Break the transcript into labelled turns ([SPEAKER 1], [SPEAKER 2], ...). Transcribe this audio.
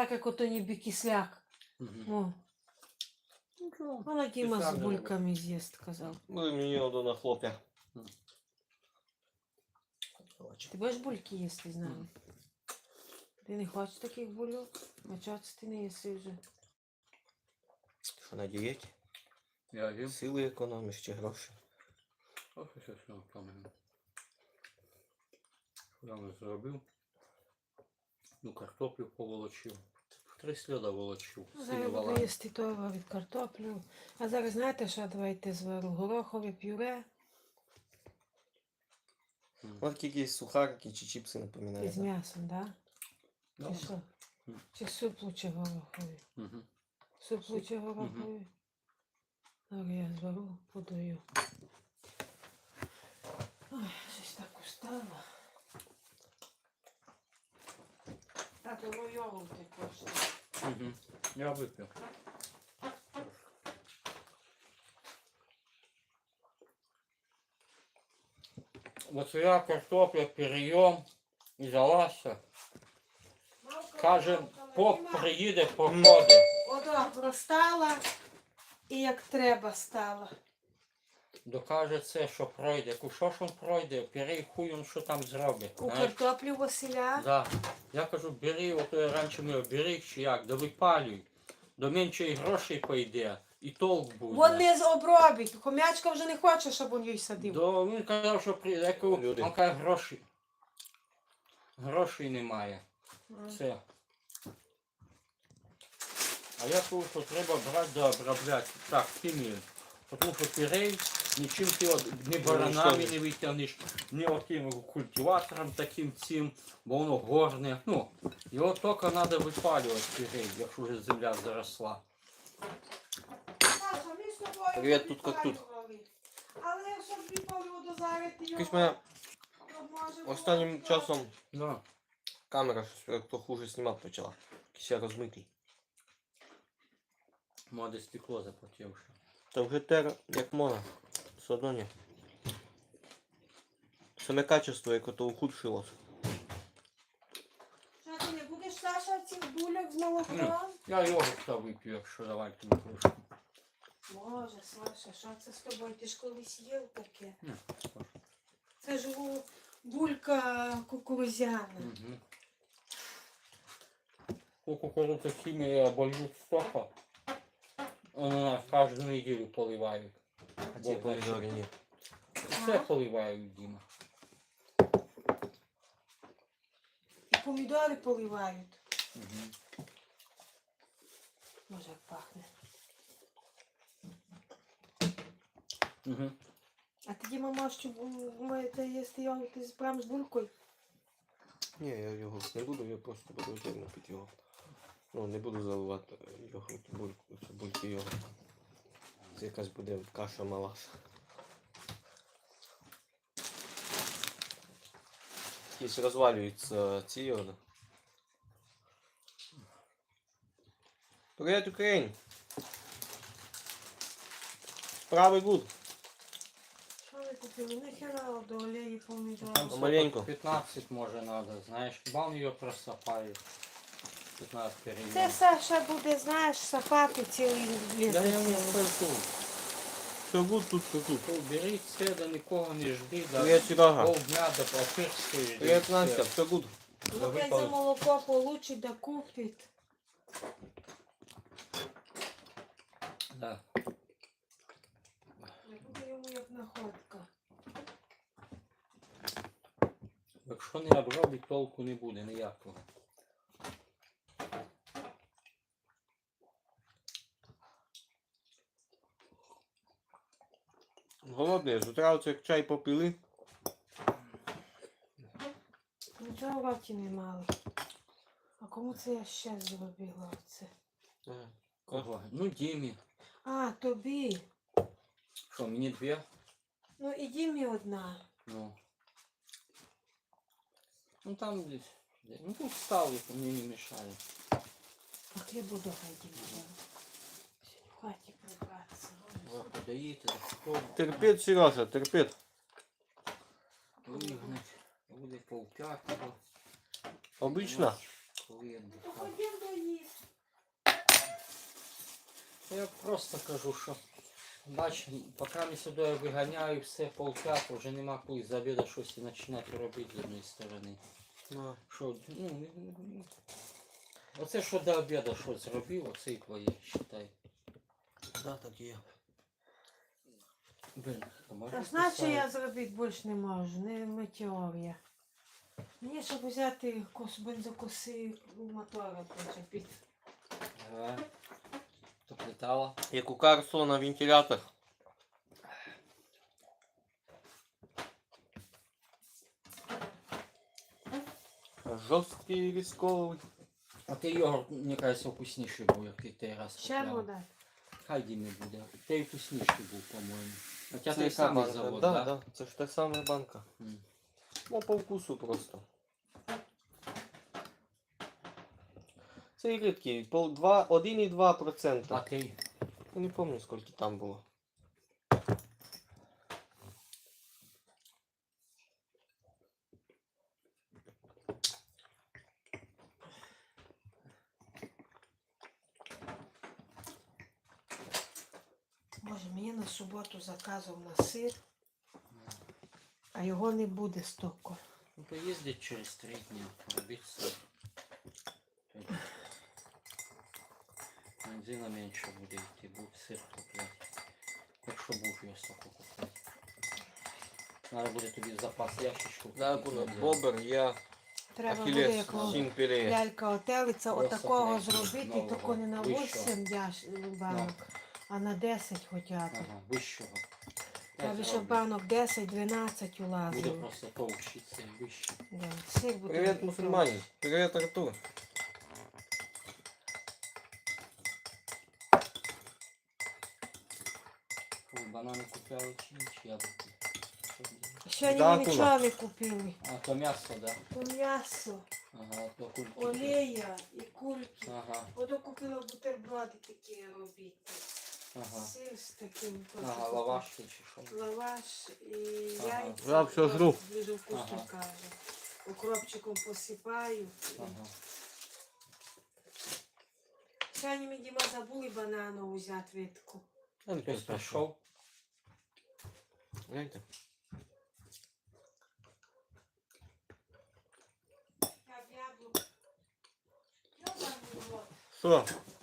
[SPEAKER 1] так, як ото ніби кисляк. О. Вона Діма з бульками з'їсть, казав.
[SPEAKER 2] Ну, мені одно на хлоп'я.
[SPEAKER 1] Ти будеш бульки їсти з нами? Ти не хочеш таких бульок? А чого це ти не їси вже?
[SPEAKER 2] Що на дієті?
[SPEAKER 3] Я їм.
[SPEAKER 2] Сили економиш чи гроші?
[SPEAKER 3] Ох, що все там. Я не зробив. Ну, картоплю поволочив. 3 сліда волочив.
[SPEAKER 1] Зараз буду їсти того від картоплю. А зараз знаєте, що давайте звару? Горохове пюре
[SPEAKER 2] Ось якісь сухарики чи чіпси напоминають.
[SPEAKER 1] із м'ясом, так?
[SPEAKER 3] Да.
[SPEAKER 1] Чи що? Чи суп лучше гороховий?
[SPEAKER 3] Угу.
[SPEAKER 1] Суп лучше гороховий? Зараз я звару, подаю. Ой, щось так устала. Тато, ну йогурти коштує.
[SPEAKER 3] Угу. Я випив. Вот я картопля перейом і залазся. Каже, поп приїде, походить.
[SPEAKER 1] Одобро стала і як треба стала.
[SPEAKER 3] Докаже це, що пройде. Що ж він пройде, перей хуй він що там зробить.
[SPEAKER 1] У
[SPEAKER 3] знаєш?
[SPEAKER 1] картоплю Василя.
[SPEAKER 3] Да. Я кажу, бери, от раніше ми бери чи як, да випалюй. До менше і грошей пойде, і толк буде.
[SPEAKER 1] Вон не обробить. Хомячка вже не хоче, щоб він їй садив.
[SPEAKER 3] Він казав, що прийде, він каже, грошей. Грошей немає. Це. А я кажу, що треба брати да обробляти. Так, хімію. Тому що пірей, нічим ти ні баранами не витягнеш, ні отим культиватором таким цим, бо воно горне. Ну, його тільки треба випалювати пірей, якщо вже земля заросла.
[SPEAKER 1] Саша, ми з тобою
[SPEAKER 2] Привіт, тут як тут.
[SPEAKER 1] Але щоб відповів дозарити його,
[SPEAKER 2] Якось мене
[SPEAKER 1] то може
[SPEAKER 2] останнім
[SPEAKER 1] було
[SPEAKER 2] часом
[SPEAKER 3] Да.
[SPEAKER 2] камера щось то хуже знімати почала. Якийсь я розмитий.
[SPEAKER 3] Моде стекло запотівши.
[SPEAKER 2] Та вже тер як можна. Все одно ні. Саме качество, яке то ухудшилось.
[SPEAKER 1] Що ти не будеш, Саша, цих бульок з молоком?
[SPEAKER 3] Я йогурта вип'ю, якщо давайте трошки.
[SPEAKER 1] Боже, Саша, що це з тобою? Ти ж колись їв таке.
[SPEAKER 3] Ні,
[SPEAKER 1] Це ж булька кукурузяна.
[SPEAKER 3] Угу. У кукурудзу хімія болють стопа. Нас кожну неділю поливають.
[SPEAKER 2] А ці помідори ні.
[SPEAKER 3] Все поливають, Діма.
[SPEAKER 1] І помідори поливають.
[SPEAKER 3] Угу.
[SPEAKER 1] Може, як пахне.
[SPEAKER 3] Угу.
[SPEAKER 1] А тоді мама, що маєте їсти йогурт прямо з булькою?
[SPEAKER 2] Ні, я його не буду, я просто буду отдельно пити його. Ну, не буду заливати йогурт, бульки йогурт. Це якась буде каша мала. Якісь розвалюються ці йоди. Привіт, Україн! Справи гуд.
[SPEAKER 1] Що ви купили? Нахера до олії помідори?
[SPEAKER 3] Там
[SPEAKER 2] Маленько.
[SPEAKER 3] 15 може треба, знаєш. Хіба він його просапає. 15 переймів.
[SPEAKER 1] Це Саша буде, знаєш, сапати цілий ліс.
[SPEAKER 3] Да я не скажу.
[SPEAKER 2] Все гуд тут, все гуд.
[SPEAKER 3] Бери це, да нікого не жди, да
[SPEAKER 2] Привіт, Серега.
[SPEAKER 3] полдня до папирської жди.
[SPEAKER 2] Привіт, Настя, все гуд.
[SPEAKER 1] Ну, хай за молоко получить, да купить.
[SPEAKER 3] Да.
[SPEAKER 1] Не буде йому як находка.
[SPEAKER 3] Якщо не обробить, толку не буде ніякого.
[SPEAKER 2] Голодний, з утра оце як чай попили.
[SPEAKER 1] Нічого в роті не мали. А кому це я ще зробила оце?
[SPEAKER 3] Кого? Ну, Дімі.
[SPEAKER 1] А, тобі.
[SPEAKER 3] Що, мені 2?
[SPEAKER 1] Ну і Дімі одна.
[SPEAKER 3] Ну. Ну там десь. Ну тут ставлю, мені не мешає.
[SPEAKER 1] А хліб буду хай Дімі. В хаті прибратися.
[SPEAKER 3] Подаєте, так що
[SPEAKER 2] Терпіть, Сережа, терпіть.
[SPEAKER 3] вигнать. Буде полп'ятого.
[SPEAKER 2] Обично.
[SPEAKER 3] Коли я
[SPEAKER 1] То
[SPEAKER 3] дихав.
[SPEAKER 1] ходім до їсти.
[SPEAKER 3] Я просто кажу, що бач, поки ми сюди виганяю все полчаса, вже нема коли з обіду щось і починати робити з однієї сторони.
[SPEAKER 2] Ну,
[SPEAKER 3] Що, оце що до обіду що зробив, оце і твоє, считай.
[SPEAKER 2] да, так є.
[SPEAKER 3] Блин,
[SPEAKER 1] Та значить я зробити більше не можу, не метеор я. Мені, щоб взяти бензокоси мотора почепити.
[SPEAKER 3] Ага. То летала.
[SPEAKER 2] Як у Карлсона вентилятор. Жорсткий військовий.
[SPEAKER 3] А ти йогурт, мені кажеться, вкусніший був, як ти той раз
[SPEAKER 1] Ще
[SPEAKER 3] купляла.
[SPEAKER 1] вода.
[SPEAKER 3] Хай Дімі буде. Той вкусніший був, по-моєму. Хоча
[SPEAKER 2] Це
[SPEAKER 3] той
[SPEAKER 2] яка
[SPEAKER 3] самий
[SPEAKER 2] банка?
[SPEAKER 3] завод,
[SPEAKER 2] Да,
[SPEAKER 3] да?
[SPEAKER 2] да, це ж та сама банка.
[SPEAKER 3] М.
[SPEAKER 2] Ну, по вкусу просто. Це рідкий, 1,2%.
[SPEAKER 3] А ти?
[SPEAKER 2] Я не пам'ятаю, скільки там було.
[SPEAKER 1] Боже, мені на суботу заказував на сир, а його не буде стільки.
[SPEAKER 3] Ну, поїздить через 3 дні, робити сир. Бензина менше буде йти, був сир купляти. Якщо був його стільки купляти. Треба буде тобі в запас ящичку.
[SPEAKER 2] Да,
[SPEAKER 3] купити,
[SPEAKER 2] було
[SPEAKER 3] взяти.
[SPEAKER 2] бобер, я,
[SPEAKER 1] Треба буде
[SPEAKER 2] ахілес,
[SPEAKER 1] як
[SPEAKER 2] сімпірі.
[SPEAKER 1] лялька отелиця,
[SPEAKER 3] Просто
[SPEAKER 1] отакого
[SPEAKER 3] глянь,
[SPEAKER 1] зробити,
[SPEAKER 3] нового,
[SPEAKER 1] тільки не на
[SPEAKER 3] вищого.
[SPEAKER 1] 8 банок, а на 10 хоча б.
[SPEAKER 3] Ага, вищого.
[SPEAKER 1] Треба,
[SPEAKER 3] Я
[SPEAKER 1] щоб
[SPEAKER 3] зроблю.
[SPEAKER 1] банок 10-12
[SPEAKER 3] Буде
[SPEAKER 1] улазило.
[SPEAKER 3] просто повчитися вище.
[SPEAKER 1] Да, сир буде.
[SPEAKER 2] Привіт, мусульмані. Привіт, Артур.
[SPEAKER 3] Фу, банани купляли чи яблуки?
[SPEAKER 1] Ще ні,
[SPEAKER 2] Да,
[SPEAKER 1] нічого не купили.
[SPEAKER 3] А, то м'ясо, да?
[SPEAKER 1] То м'ясо,
[SPEAKER 3] Ага, то кульки.
[SPEAKER 1] олія і кульки.
[SPEAKER 3] Ага,
[SPEAKER 1] Ото купила бутерброди такі робити.
[SPEAKER 3] ага.
[SPEAKER 1] Сир з таким.
[SPEAKER 3] Ага, лавашки чи що?
[SPEAKER 1] Лаваш і
[SPEAKER 3] Ага.
[SPEAKER 1] яйця.
[SPEAKER 2] Я все жру.
[SPEAKER 1] Дуже вкусно
[SPEAKER 3] Ага.
[SPEAKER 1] каже. Укропчиком посипаю.
[SPEAKER 3] Ага.
[SPEAKER 1] Сьогодні ми, Діма, забули банану взяти витку.
[SPEAKER 3] Хтось прийшов?
[SPEAKER 2] Гляньте.
[SPEAKER 1] Я б яблук. Йобаний в рот.
[SPEAKER 2] Що?